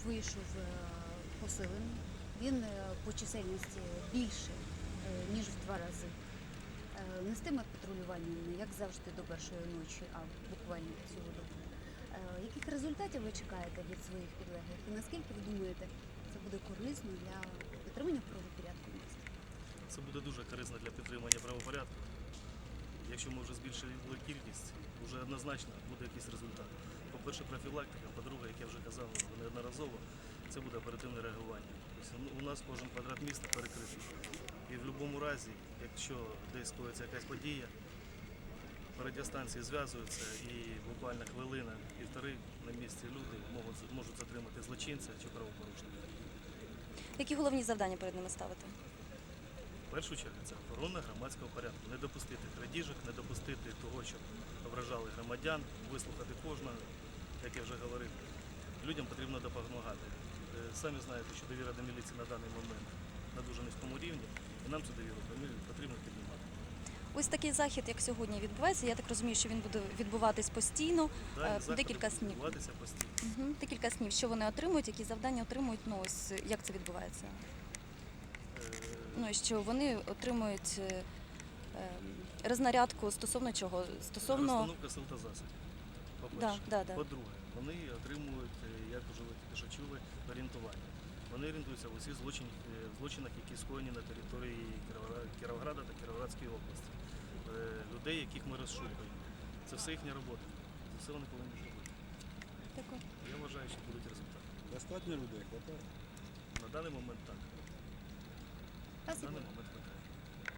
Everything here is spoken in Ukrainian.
вийшов посилений, він по чисельності більше, ніж в 2 рази. Нестиме патрулювання не як завжди до першої ночі, а буквально цілу добу. Яких результатів ви чекаєте від своїх підлеглих? І наскільки ви думаєте, це буде корисно для підтримання правопорядку в місті? Це буде дуже корисно для підтримання правопорядку. Якщо ми вже збільшили кількість, вже однозначно буде якийсь результат. По-перше, профілактика, по-друге, як я вже казав неодноразово, це буде оперативне реагування. Тобто у нас кожен квадрат міста перекритий. І в будь-якому разі, якщо десь коїться якась подія, радіостанції зв'язуються і буквально хвилина, півтори на місці люди можуть затримати злочинця чи правопорушника. Які головні завдання перед ними ставити? В першу чергу це охорона громадського порядку. Не допустити крадіжок, не допустити того, щоб ображали громадян, вислухати кожного, як я вже говорив. Людям потрібно допомагати. Самі знаєте, що довіра до міліції на даний момент на дуже низькому рівні, і нам цю довіру потрібно піднімати. Ось такий захід, як сьогодні відбувається, я так розумію, що він буде відбуватись постійно, декілька снів. Відбуватися постійно. Декілька снів. Що вони отримують, які завдання отримують, ну ось як це відбувається? Ну, що вони отримують рознарядку стосовно чого? Стосовно... Розстановка сил та засобів, по-перше. Да. По-друге, вони отримують, як вже ви тільки що чули, орієнтування. Вони орієнтуються в усіх злочинах, які скоєні на території Кіровограда та Кіровоградської області. Людей, яких ми розшукуємо. Це все їхня робота. Це все вони повинні робити. Дякую. Я вважаю, що будуть результати. Достатньо людей, хватає? На даний момент так. На даний момент